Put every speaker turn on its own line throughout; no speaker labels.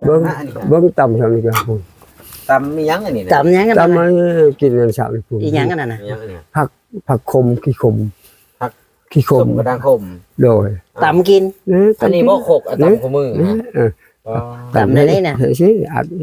เบิ้งตำทำนี่กันพุ่น
ตำมียังอันนี้นะ
ตำยังกัน
ตำ
นะ
มากินกันสามพุ่น
อีหยังกันน่ะ
มียังอันนี้
ผักคมขี้คม
ผัก
ขี้ค
ข
ม
มกระด้างขม
โดย
ตำกิน
อันนี้บ่ขกอันตำขมือ
ตำในนี้น่ะ
เฮ้ยสิอัด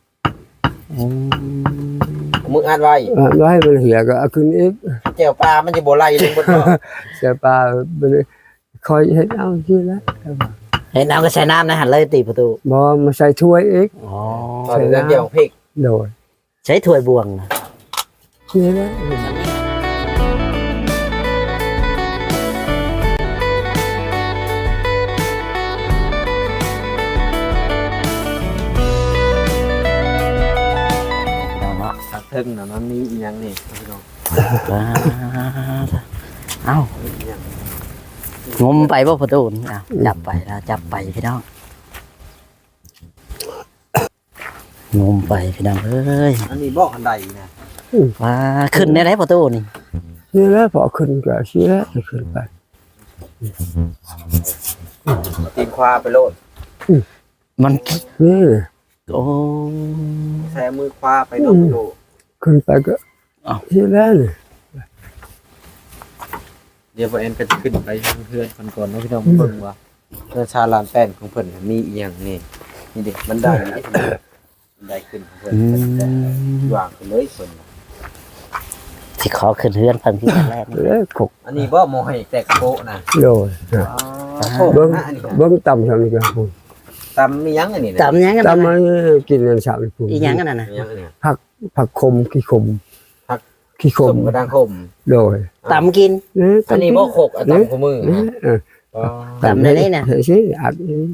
มึงอ่านไว้
ไว้มันเหี่ยก็เอาขึ้นอีก
แก้วปลามันจะบ่ไหลลงบนบ่
เสียปลาไปเลยคอยเฮ็ดเอาที่ละ
เห็นเอาก็ใส่น้ำนะหันเลยตีประตู
บ่มาใส่ถ้วยอีก
อ๋อ
ตอนนี้เดี๋ยวพริก
โดย
ใช้ถ้วยบวงนะ
นี่ละ
สักเทิงน่ะมันมีอีหยังนี่พี่น้อง
เอ้า งมไปว่าประตูนี่อ่ะจับไปแล้วจับไปพี่น้องงมไปพี่น้องเอ้ย
อันนี้บ่อันใดนะ
ว่าขึ้นได้ไหนประตูนี่
นี่ละพอขึ้นก็สิละขึ้นไป
ตีนควาไปโลด
มัน
นี่
โอ้
แซ่มือควาไปโลดโล
ขึ้นไปก็สิละนี่
เดี๋ยวบ่เอ็นก็จะขึ้นไปทางเพื่อนคนก่อนเนาะพี่น้องเบิ่งว่าเพื่อชาลานแป้นของเพิ่นมีอีหยังนี่นี่เด็กมันได้มันได้ขึ้นของเพิ่นวางไปเลยเพิ่น
สิขอขึ้นเฮือนเพิ่นที่แรกนี่
แล้วขก
อันนี้บ่หมอให้แตกโปะนะ
โดย
เบิ่
เบิ้
ง
ง
อันนี้
เบิ้งตำทำนี่กันพุ่น
ตำมียังอันนี้นะ
ตำยังกัน
ตำ
นะ
มากินกันสามพุ่น
อีหยังกันน่ะ
มียังอันนี้
ผักคมขี้คม
ผัก
ขี้ค
ข
ม
มกระด้างขม
โดย
ตำกิน
อันนี้บ่ขกอันตำขมือ
ตำในนี้น่ะ
เฮ้ยสิอัด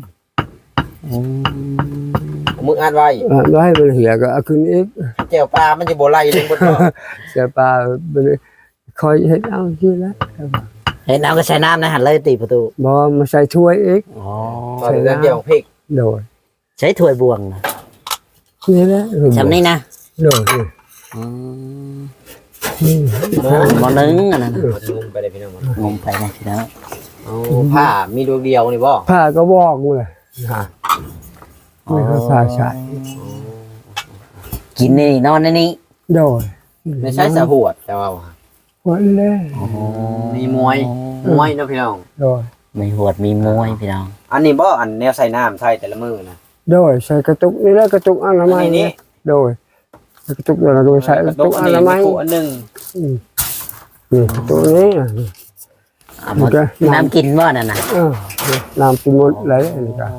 มึงอ่านไว้
ไว้มันเหี่ยก็เอาขึ้นอีก
แก้วปลามันจะบ่ไหลลงบนบ่
เสียปลาไปเลยคอยเฮ็ดเอาที่ละ
เห็นเอาก็ใส่น้ำนะหันเลยตีประตู
บ่มาใส่ถ้วยอีก
อ๋อ
ตอนนี้เดี๋ยวพริก
โดย
ใช้ถ้วยบวงนะ
นี่ละ
จำนี่นะ
โดย
หมอนึงอันนั้น
มันงุมไปเลยพี่น้อง
งมไปนะพี่น้อง
เอาผ้ามีดวงเดียวนี่บ่
ผ้าก็บอกเลยไม่เขาผ้าใช้
กินนี่นอนในนี้
โดย
ไม่ใช่สะหวดแต่ว่า
วันแรก
มีมวยเนาะพี่น้อง
โดย
มีหวดมีมวยพี่น้อง
อันนี้บ่อันแนวใส่น้ำใส่แต่ละมือนะ
โดยใส่กระตุกนี่ละกระตุกอนามัย
อันนี้
โดยกระตุกเดี๋ยวเราโดยใส่กระตุกอนามัย
อันนึง
นี่กระตุกนี้
เอาหมดน้ำกินว่านั่นน่ะ
น้ำกินหมดเลยนี่ก็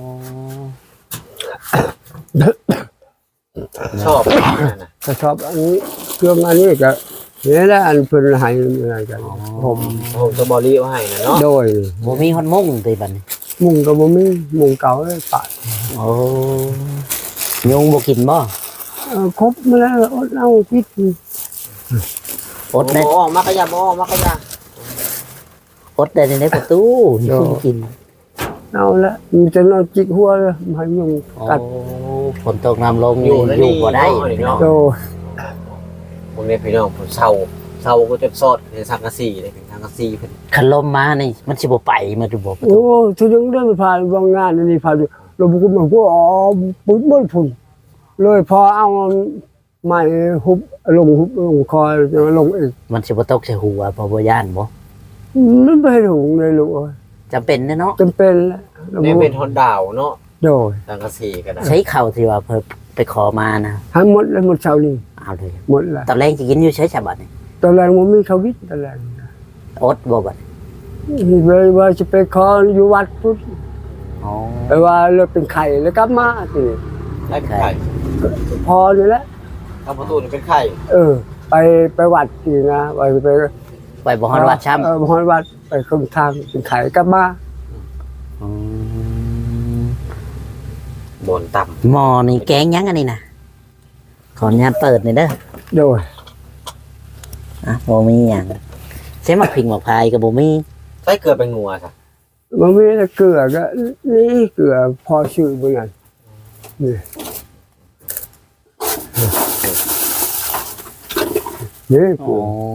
ชอบ
ก็ชอบอันนี้เครื่องอันนี้ก็นี่แหละอันเพิ่นให้อะไรกันผม
ผมสบอรี่เอาให้นะเนาะ
โดย
บ่มีคนมุ่งตีบัดน
มุงก็บ่มีมุงเก่าเลยปะ
โอ้ยุงบ่กินบ่
ครบมาแล้วอดเอาพิษ
อดได้
บ่มักกะยาบ่มักกะยา
อดได้ในประตูยุงกิน
เอาละมันจะนอนจิกหัวเลยให้ยุงกัด
ฝนตกน้ำลงอยู่บ่ได้พี่น้อง
โดย
ผมเนี่ยพี่น้องผมเศร้าก็จะซอดในสังกะสีเลยเป็นสังกะสีเพิ่น
คันลมมานี่มันสิบ่ไปมันสิบ่ประตู
โอ้ถึงได้ผ่านบางงานนี่ผ่านเราบุกมาพวกอ๋อปุ๊บบ่พุ่นเลยพอเอาไม้หุบลงคอยจะลงอีก
มันสิบ่ตกใส่หัวบ่ย่านบ่
มันไม่ถูกเลยลูก
จำเป็นเนาะ
จำเป็นแล้ว
เนี่ยเป็นทนดาวเนาะ
โดย
สังกะสีก็ได้
ใช้เข่าที่ว่าเพิ่นไปขอมานะ
ทั้งหมดเลยหมดเช้านี้
เอาเลย
หมดแล้ว
ตอนแรกจะกินอยู่ใช้ฉบับนี่
ตอนแรกมันมีเขาวิทย์ตอนแรก
อดบ่บัด
เลยว่าจะไปขออยู่วัดพุทธ
อ๋อ
ไปว่าเราเป็นไข่แล้วกลับมาทีนี้
ได้เป็นไข่
พอนี่แหละ
ทำประตูนี่เป็นไข่
ไปวัดทีนะไป
ไปบ่ฮอดวัดช้ำ
บ่ฮอดวัดไปครึ่งทางเป็นไข่กลับมา
บนต่
หมอนี่แกงยังอันนี้นะขออนุญาตเปิดหน่อยเด้อ
โดย
อ่ะบ่มีหยังใช้หมักพริกหมักพายกับบ่มี
ำใส่เกลือเป็นงัวจ้ะ
มันมีแต่เกลือก็นี่เกลือพอชื่อเหมือนกันนี่กู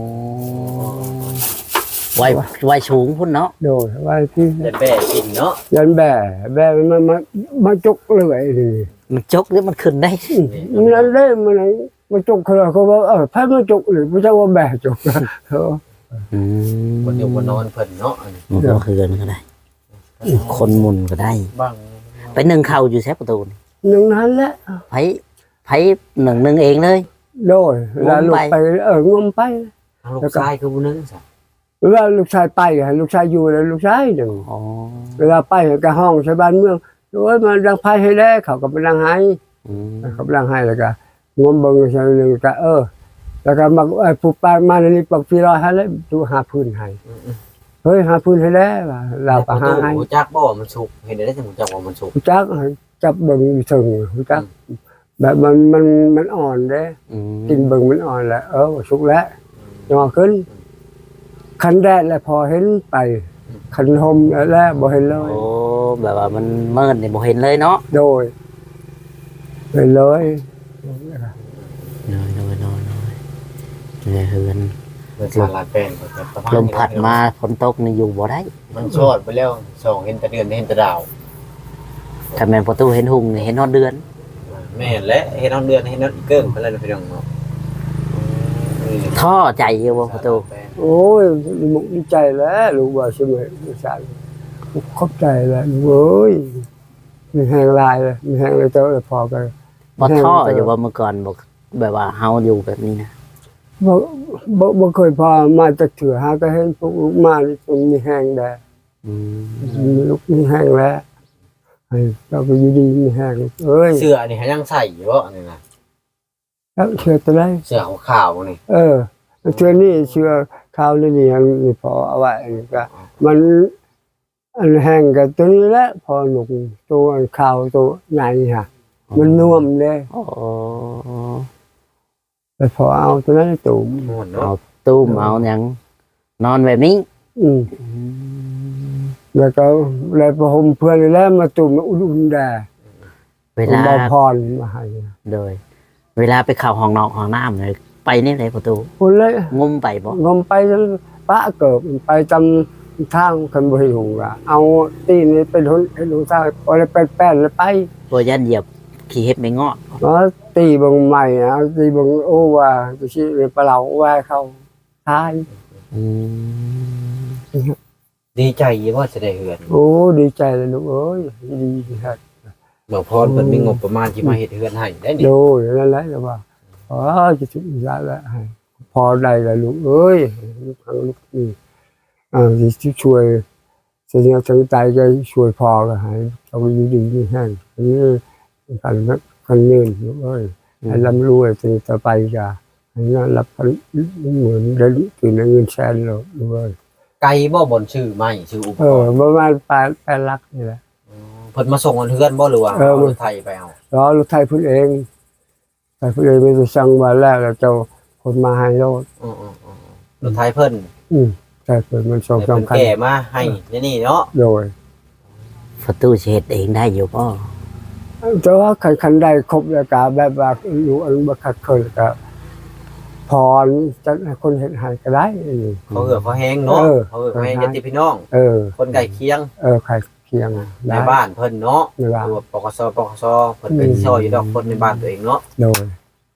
ไว้สูงพุ่นเนาะ
โดยว่าที่
เด็ดแบ่กินเนาะ
ยันแบ่มันมาจกเลยนี่
มันจกหรือมันขึ้นได้
มันนั่นได้มันจกเขาบอกพายมันจกหรือไม่ใช่ว่าแบกจกเออ
คนอยู่บนนอนเพิ่นเนาะอันนี้
มันก็คือกันก็ได้ คนหมุนก็ได้
บ้าง
ไปนึ่งข้าวอยู่แซ่ประตูนี่
หนึ่งนั้นแหละ
ไผหนึ่งเองเลย
โดยเวลาลูกไปงมไป
เอาลูกชายคือผู้นึงซะ
เวลาลูกชายไปลูกชายอยู่แล้วลูกชายหนึ่ง
อ๋อ
เวลาไปกับห้องชาวบ้านเมืองโอ้ยมันดังไพ่ให้แล้วเขาก็ไปดังให้
อืม
เขาไปดังให้แล้วก็งมเบิ่งชาวนึงก็แล้วก็มาผู้ปานมาในนี้ปักพี่รอให้แล้วดูหาพื้นให้เฮ้ยหาพื้นให้แล้วเราก็หาให้
หูจักบ่มันสุกเห็นได้จังหูจักว่ามันสุก
จักจับเบิ่งถึงจักแบบมันอ่อนเด้
อืม
กินเบิ่งมันอ่อนแล้วสุกแล้วยอขึ้นคันแดดแล้วพอเห็นไปคันหมแล้วบ่เห็นเลย
โอ้แบบว่ามันเมินนี่บ่เห็นเลยเนาะ
โดยเห็นเลย
น้อยเนี่ยเฮือน
เพิ่นสารลานแป้นประมาณ
ลมพัดมาฝนตกนี่อยู่บ่ได้
มันชอดไปแล้วส่องเห็นแต่เดือนเห็นแต่ดาว
ถ้าแม่นประตูเห็นหุ่งนี่เห็นฮอดเดือน
แม่นและเห็นน้องเดือนเห็นน้องอีเกิ้งไปแล้วพี่น้องเนาะ
ท่อใจอยู่บ่ประตู
โอ้ยมุกดีใจแล้วลูกว่าใช่ไหมลูกชายขอบใจแล้วเว้ยมีแหงลายเลยมีแหงเลยเจ้าเลยพอกัน
บ่ท่ออยู่ว่าเมื่อก่อนบ่แบบว่าเฮาอยู่แบบนี้นะ
บ่เคยพอมาจากเถื่อหาก็เห็นพวกลูกมานี่มันมีแหงแดด
อืม
มีลูกมีแหงแล้วให้เราไปอยู่ดีมีแหงเอ้ย
เสื้อนี่ยังใส่อยู่บ่นี่นะ
แล้วเชื่อตัวไร
เสื้อขาวๆนี่
เชื่อนี่เชื่อข้าวนี่นี่พอเอาไว้อันนี้ก็มันอันแห้งกับตัวนี้แหละพอหนุกตัวข้าวตัวใหญ่ฮะมันน่วมเลย
โอ้
ไปพอเอาตัวนั้นตุ่ม
ม่วน
เอา
เนาะ
ตู้มเอาหยังนอนแบบนี้
แล้วก็เลยพอผมเพื่อนแล้วมาตุ่มอุ่นๆแดด
เวลา
บอพรมาให้
โดย เวลาไปเข้าห้องนอกห้องน้ำเลยไปนี่เลยประตู
คนเลย
งมไปบ่
งมไปจนปะเกิดไปจำทางคันบริหงละเอาตีนี่เป็นทุนให้ดูทางพอเลยแป้นแล้วไป
บ่ยันเหยียบขี้เห็บไม่งอด
nó tì bằng mày tì bằng ô và tôi chỉ bà lẩu qua không hai
อืม
ดีใจว่าจะได้เฮือน
ô đi chạy là lúc ơi đi hết
บ่พรเพิ่นมีงบประมาณที่มาเฮ็ดเฮือนให้ได้นี่
rồi nó lấy rồi bà chỉ chụp ra lại phò đây là lúc ơi lúc thằng lúc gì thì chú chuối sẽ nhớ thằng tay cái chuối phò rồi hãy trong cái đi như thế như phần nền lúc ơi hay làm lui thì tao bay ra nó lậpเหมือนได้ตื่นในเงินแสนเลย
ไกลบ่บนชื่อใหม่ชื่ออุปกรณ์
ประมาณ8 ลักนี่แหละ
เพิ่นมาส่งเฮือนบ่หรือว่าเอารถไทยไปเอา
แล้วรถไทยพูดเองไทยพูดเองไม่ได้สั่งมาแล้วเจ้าคนมาให้รถ
รถไทยเพิ่น
ใช่เปิดมันส่ง
เพิ่น
คัน
แก่มาให้นี่เนาะ
โดย
ประตูสิเฮ็ดเองได้อยู่บ่
แต่ว่าคันใดครบแล้วก็แบบว่าอยู่อันบ่คัดเคยก็พรจะให้คนเห็นให้ก็ได้
เขาเหือเขาแห้งเนาะเขาเหือเขาแห้งญาติพี่น้องคนใกล้เคียง
ใครเคียง
ในบ้านเพิ่นเนาะ
ในบ้าน
ตัวปกสเพิ่นเป็นซอยอยู่ดอกคนในบ้านตัวเองเนาะ
โดย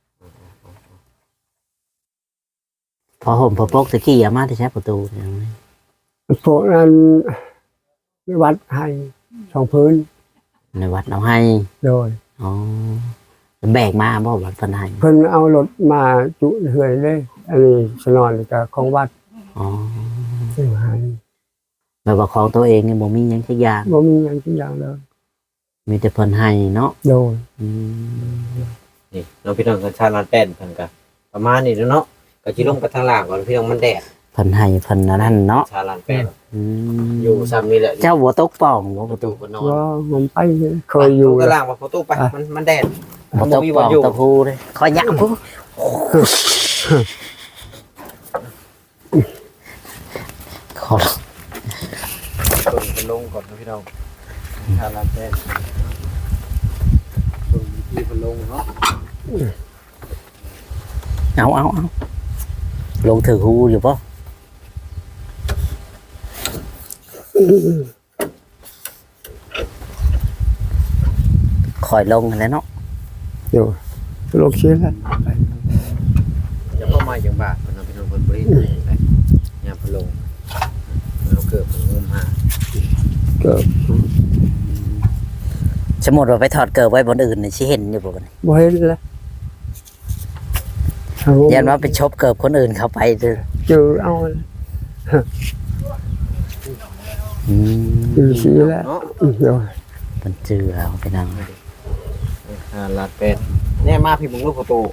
พอห่มพอปกตะกี้อามาที่ใช้ประตูอย่างนี้
พวกนั้นวัดให้สองพื้น
ในวัดเอาให้
โดย
อ๋อแบกมาบ่วัดเพิ่นให้
เพิ่นเอารถมาจุเฮือยเลยอันนี้สนอนกับของวัด
อ๋อ
ซื้อให้
แบบว่าของตัวเองนี่บ่มีหยังสักอย่าง
บ่มีหยังทุกอย่างเลย
มีแต่เพิ่นให้เนาะ
โดย
อืม
นี่น้องพี่น้องกันชาลานแป้นเพิ่นก็ประมาณนี้เนาะก็สิลงไปทางล่างก่อนพี่น้องมันแดด
เพิ่นให้เพิ่นอันนั้นเนาะ
ชาลานแป้น
อืม
อยู่ซ้ำนี่แหละ
เจ้าบ่ตกป่องบ่ป
ประ ระ
ตู
ตูก็นอน
ว่าผมไปเคยอยู่
ก็ล่างว่าประตูไปมันแดด
บ่ตกป่องตะพูเลยขอยะพูขอ
เป็นลงก่อนนะพี่น้องชาลานแป้นลงที่เป็นลงเนาะ
เอาลงถือหูอยู่ป่ะคอยลงแล้วเนาะ
เดี๋ยวลงเชียร์แล้ว
จะพ่อมาอย่างบาทมันเอาไปทำคนบริสุทธิ์เลยยามพะโลงเราเกิดมันงมหา
เกิด
สมมุติว่าไปถอดเกิบไว้บนอื่นนี่สิเห็นอยู่บ่กัน
บ่เห็นแล้ว
ยันว่าไปชบเกิบคนอื่นเขาไปเด้อ
เจอเอา
อืม
อยู่เชียร์แล้ว
เนาะ
เดี๋ยว
มันเจือเอาไปนั่ง
ลาดเป็ดแน่มาพี่มึงลูกประตู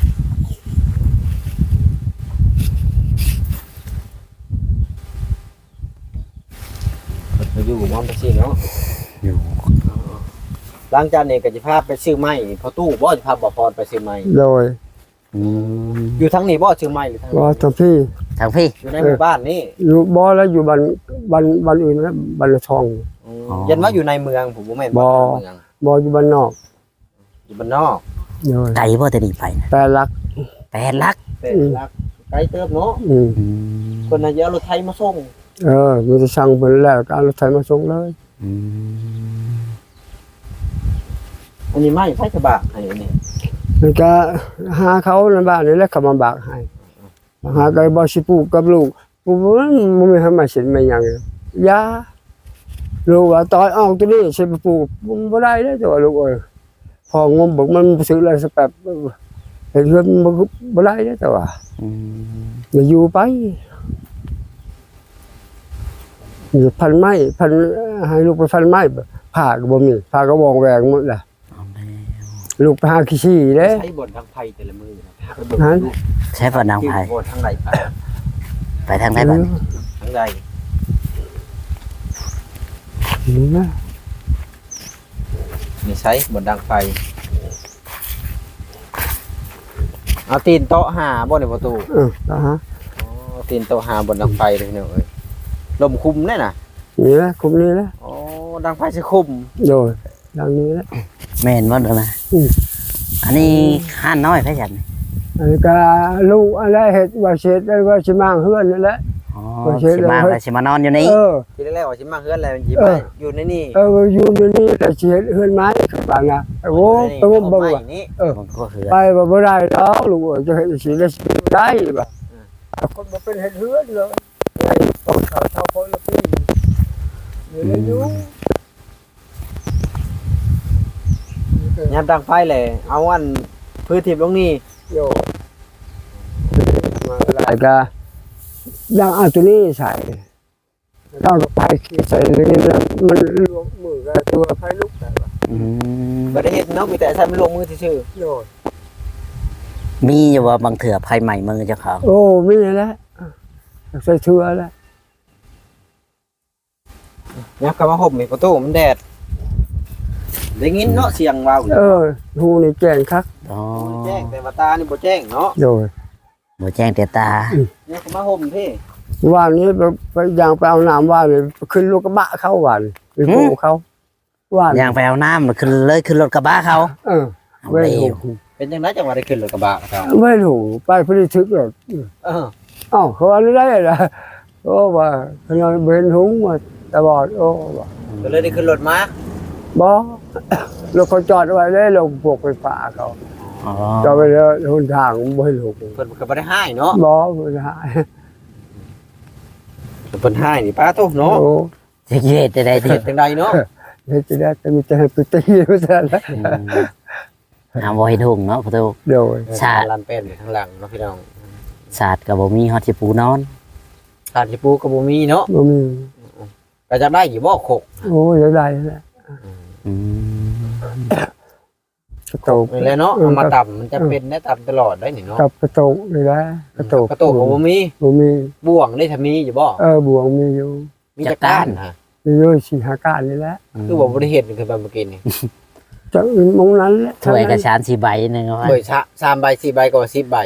มาอยู่กับมอนไปสิเนาะ
อยู่
หลังจากนี้ก็จะพาไปซื้อไม้พอตู้บ่จะพาบ่พรไปซื้อไม้
โดย
อืม
อยู่ทั้งนี้บ่ซื้อไม้หรือทั้ง
ว่าตอนพี่
ทางพี่
อยู่ในหมู่บ้านนี่
อยู่บ่แล้วอยู่บ้านอื่นนะบ้านละทอง
ยันว่าอยู่ในเมืองผมบ่แม่น
บ่
ว่าในเมือง
บ่อยู่บ้านนอก
อยู่บ้านนอก
โดย
ไกลบ่จะดีไปนะ
แต่รัก
8 ลัก
แต่ลักไกลเติบเนาะ
อืม
อืม
คนน่ะเยอะรถไทยมาส่ง
มันจะสั่งเพิ่นแล้วก็เอารถไถมาส่งเลย
อืม
อันนี้ไม้ไฟกระบะให้อันนี้
มันก็หาเขาในบ้านนี่แหละเขามาบากให้หาก็บ่สิปลูกกับลูกปลูกมันไม่ทำมาเสร็จไม่หยังยาลูกว่าตอยออกตัวนี้สิไปปลูกมันบ่ได้เด้อตัวลูกเอ้ยพองมบอกมันซื้อแล้วสักแป๊บเห็นเพิ่นบ่ได้เด้อตัว
อืม
อย่าอยู่ไปอยู่พันไม้พันให้ลูกไปพันไม้ผ่าก็บ่มีผ่าก็วองแหวงหมดแหละ
เอาแล้ว
ลูกไปหาขี้ชี้เด้
ใช้บททางไฟแต่ละมือนะ
ฮะ
ใช้บ่นางไผ
บททางไหนไป
ไปทางไหนบัดนี้
ทางใด
นี่นะ
นี่ใช้บทดังไฟเอาตีนโต๊ะหาบ่ในประตู
นะฮะ
อ๋อตีนโต๊ะหาบทดังไฟเลยพี่น้องเอ้ยลมคุมแน่น่ะ
นี่นะคุมนี่นะ
อ๋อดังไฟสิคุม
โดยดังนี้นะ
แม่นบ่เด้อนะ
อืม
อันนี้ห้านน้อยไผจัน
อันนี้ก็ลูกอะไรเห็ดว่าเช็ดได้ว่าชิมางเฮือนนั่นแหละ
อ๋อ
โอเค
สิมาแล้วสิมานอนอยู่นี่
ทีแรกๆว่าสิมาเฮือนแล้วหยิบ
เอ
ไป
อ
อยู่ในนี่
อยู่ในนี่แต่เช็ดเฮือนไม้กับบ้านนะโอ้ไปงมเบิ่งว่ะ
นี่
มันก็คือ
ไปบ่ได้ดอกลูกเอ้ยจะเห็ดสิได้สิได้บ่คนบ่เป็นเห็ดเฮือนเลยต้องเขาเท่าคนละปีนี่อยู่
ยามดังไฟเลยเอาอันพื้นทิพย์ลงนี่
โยมาหลายก็ยังเอาตัวนี้ใส่ต้องไปใส่เลยนะมันรวมมือกับตัวไฟลุกแต่ว่า
อืม
บ่ได้เฮ็ดเนาะมีแต่ใช้มันลงมือซื่อ
โยน
มีอยู่ว่าบางเถื่อภัยใหม่มือเจ้าของ
โอ้ไม่เลยแล้วใส่เชือแล้ว
ๆยับเข้ามาห่มอีกประตูมันแดดได้ยินเนาะเสียงว้าว
หูนี่แจ้งคัก
อ๋อ
แจ้งแต่ว่าตานี่บ่แจ้งเนาะ
โยน
บ่แจ้งแต่ตา
ยับเข้ามาห่มพี่
ว่านนี้ไปย่างไปเอาน้ำว่านเลยขึ้นลูกกระบะเข้าว่านไปโผล่เขาว่าน
ย่างไปเอาน้ำมันขึ้นเลยขึ้นรถกระบะเขา
เอา
เอา
ไม่
เร็
ถู
ว
ก
เป็นจังไดจังว่าได้ขึ้นรถกระบะครับ
ไม่ถูกไปพอดีทึกหรอก
เออ
อ้าวเขาอะไรได้ล่ะโอ้ว่าขนาดเบนหุงมาตาบอดโอ้ว่า
ก็เลยได้ขึ้นรถมา
บ่รถเขาจอดไว้ได้ลงพวกไฟฟ้าเขา
อ๋อ
จอดไปแล้วหนทางบ่ให้ลง
เพิ่นก็บ่ได้ให้เนาะ
บ่บ่ได้
เพิ่นให้นี่ป้าโตเนาะ
โอ้
จะเย็ดจะได้
เฮ็
ที่
ดจังไดเนาะ
เฮ็ดจะได้แต่มีแต่ให้ไปตีไม่ทันแล้ว
หาบ่ให้ทุ่งเนาะประตู
เดี๋ยว
ชา
ลานเป็นอยู่ข้างหลังเนาะพี่น้อง
ศาสตร์ก็บ่มีฮอดสิปูนอน
ขาดสิปูก็บ่มีเนาะ
บ่มี
ก็จะได้อยู่บ่ขก
โอ้ยอยากได้แหละ
อืม
กระโตก
นี่แหละเนาะเอามาต่ำมันจะเป็นได้ต่ำตลอดได้นี่เนาะ
กับกระโตกเลยนะกระโตก
กระโตกก็บ่มี
บ่มี
บ่วงได้ถ้ามีอยู่บ่
บวงมีอยู่
มีจักก้านฮะ
มีอยู่สี่หาการนี่แหละ
คือบ่ได้เห็นคือแบบเมื่อกี้นี่
จะมองนั้นแหละ
ถ้วยกระชาน4ใบนึงเอาไว้
เบยชะ3ใบ4ใบก็ว่า10ใบ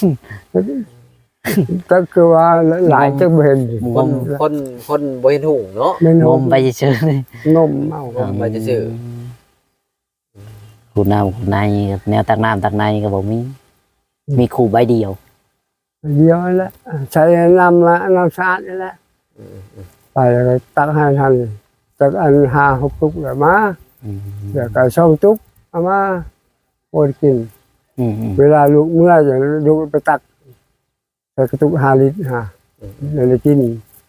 ก็คือว่าหลายจะเห็น
คนบ่เห็นหุงเนาะ
ไม่น
ง
ม
มไปเฉยๆนี่
นมเอา
ไปซื่อ
คูน้ำคูในแนวตักน้ำตักในก็บ่มี มีคู่ใบเดียว
เดียวนั่นแหละใช้น้ำละน้ำสะอาดนี่แหละไปแล้วก็ตักให้ทันจากอัน5-6 ตุกแล้วมา
อืม
เดี๋ยวก็2 ตุกเอามาโอนกิน
อืม
เวลาลูกเมื่อจะลูกไปตักใส่กระตุก5 ลิตรฮะเลยกิน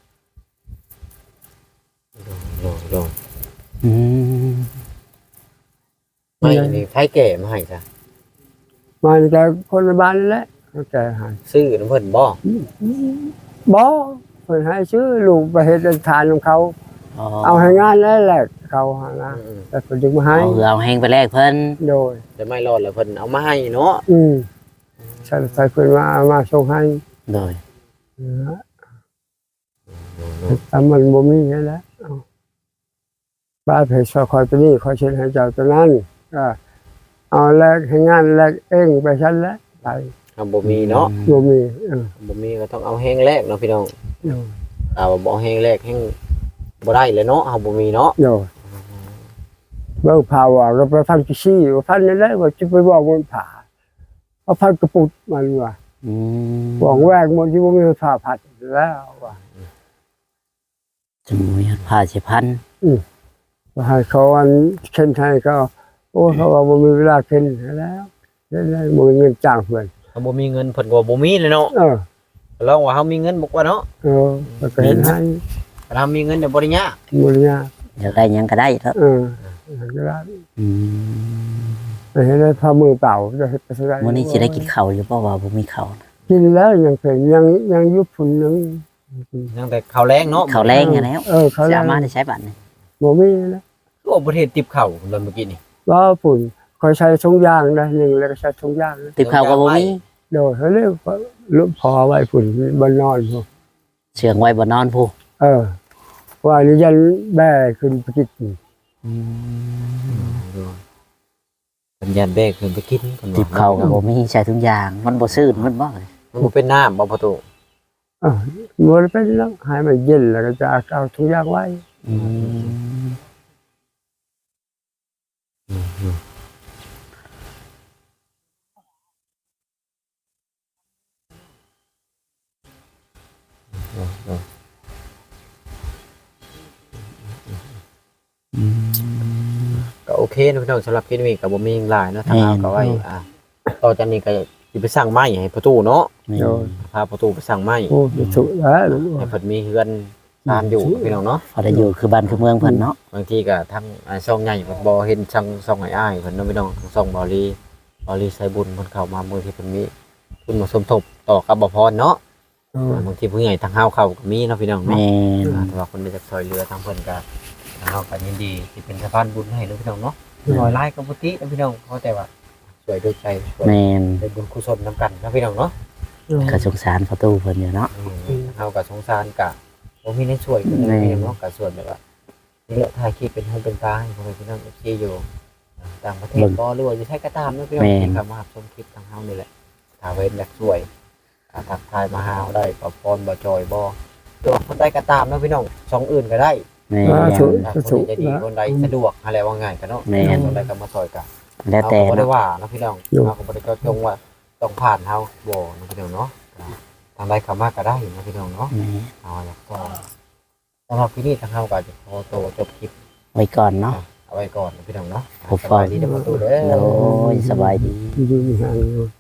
ลอง
อืม
ไม่นี่ไผแก่มาให้จ้ะ
มาจากคนในบ้านนั่นแหละเขาแก่ใหาย
ซื้อน้ำเพิ่นบ่
บ่เพิ่นให้ชื่อลูกไปเฮ็ดทานของเขา เอาให้งานแล้วแหละเขาหานะแต่เพิ่นจึงมาให้
เอาแห้งไปแลกเพิ่น
โดย
แต่ไม่รอดแล้วเพิ่นเอามาให้เนาะ
ใส่เพิ่นมาส่งให้
โดย
แต่มันบ่มีนั่นแหละเอาบ้านเพชรคอยตัวนี้คอยเช็ดให้เจ้าตัวนั้นก็เอาแลกให้งานแลกเองไปชั้นแล้วไป
เอาบ่มีเนาะ
บ่มี
บ่มีก็ต้องเอาแห้งแรกเนาะพี่น้อง
โดย
เอาบ่แห้งแรกแห้งบ่ได้เลยเนาะเอาบ่มีเนาะ
โดยเบิ่งผ่าว่าเราไปพันกี่ซี่ว่าพันนั่นแหละว่าจะไปบอกมันผ่าเอาพันกระปุกมันว่า
อืม
บอกแวกมันที่บ่มีผ่าผัดแล้วว่า
จะมีผ้าสิพัน
ว่าให้เขาอันเข็นให้ก็โอ้เขาว่าบ่มีเวลาเข็นแล้วได้บ่มีเงินจ้างเพิ่น
เอาบ่มีเงินเพิ่นก็บ่มีเลยเนาะลองว่าเฮามีเงินบ่กว่าเนาะ
แล้วก็เห็นให้
ถ้าเรามีเงินเดี๋ยวบ่ได้ยาก
มูลนิธิ
อยากได้หยังก็ได้แล้ว
ก็ได้
อืม
ไปเห็นได้พามือเปล่าจะเฮ็ดไปได้
มื้อนี้สิได้กินข้าวอยู่บ่ว่าบ่มีข้าวนะ
กินแล้วยังเป็นยังยุบฝุ่นยัง
ยังแต่ข้าวแรงเนาะ
ข้าวแรงอะแล้ว
เขา
สา
แล้ว
มารถได้ใช้บัตรนี่
บ่มีนะ
โอ้ประเทศติบข้าวเมื่อกี้นี่
ว่าฝุ่นคอยใช้ทงยางนะหนึ่งแล้วก็ใช้ทงยางนะ
ติบข้าวก็บ่มี
โดยเขาเรียกว่าลุกพอไว้ฝุ่นบนนอนพวก
เชื่องไว้บ่นอนผู้
ว่านี่ยันแบ่ขึ้นไปกิน
อืม
สัญญาณแบกเพิ่นไปกินเพิ่น
ติบข้าวก็บ่มีใช้ทุกอย่าง มันบ่ซื่นมันบ่
มันบ่เป็นน้ำบ่ประตู
มันเป็นแล้วหายมันเย็นแล้วก็จะเอาทงยางไว้
อืม
ก็โอเคนะพี่น้องสำหรับคลิปนี้ก็บ่มีหยังหลายเนาะทางเราก็ไว้ต่อจากนี้ก็สิไปสร้างไม้ให้ประตูเนาะ
นี่
พาประตูไปสร้างไม้
โอ้สุดแล้ว
ให้เพิ่นมีเฮือนตามอยู่พี่น้องเนาะ
พอได้อยู่คือบ้านคือเมืองเพิ่นเนาะ
บางทีก็ทั้งช่องใหญ่เพิ่นบ่เห็นช่องอ้ายๆเพิ่นเนาะพี่น้องช่องบอลีใส่บุญเพิ่นเข้ามามื้อที่เพิ่นมีทุนมาสมทบต่อกับบ่พรเนาะบางทีผู้ใหญ่ทางเฮาเข้าก็มีเนาะพี่น้องเนาะ
แม่น
แต่ว่าคนได้จากซอยเรือทางเพิ่นก็เฮาก็ยินดีที่เป็นสะพานบุญให้เนาะพี่น้องเนาะน้อยหลายก็บ่ติเนาะพี่น้องเพราะแต่ว่าช่วยด้วยใจช่วย
แม่น
เป็นบุญกุศลนํกันเนาะพี่น้องเนาะ
ก็สงสารประตูเพิ่นอยู่เนาะ
เฮาก็สงสารกะบ่มีในช่วยเพิ่นเลยเนาะก็ส่วนแบบว่านี่แหละถ่ายคลิปเป็นหูเป็นตาให้พ่อแม่พี่น้อง FC อยู่ต่างประเทศบ่หรือว่าอยู่ไทยก็ตามเนาะพี่น้องที่เข้ามารับชมคลิปทางเฮานี่แหละถ้าเว้นอยากช่วยทักทายมาหาเฮาได้ปะพรบ่จอยบ่ตัวคนใดก็ตามเนาะพี่น้องช่องอื่นก็ได้
แม่น
คนใดดีคนใดสะดวกอะไรว่าง่ายกันเนาะ
แม่น
คนใดก็มาซอยกัน
แล้วแต่
เราก็บ่ได้
เนาะ
ว่าเนาะพี่น้องเราก็บ่ได้เจาะจงว่าต้องผ่านเฮาบ่เนาะพี่น้องเนาะทางใดเข้ามาก็ได้เนาะพี่น้องเนาะ
แม่น
เอาอยากก็สำหรับที่นี่ทางเฮาก็จะขอตัวจบคลิป
ไว้ก่อนเนาะ
เอาไว้ก่อนนะพี่น้องเนาะ
ผม
สบายดีเด้อประตูเด้อ
โอ้ยสบายดี
อยู่ห่าง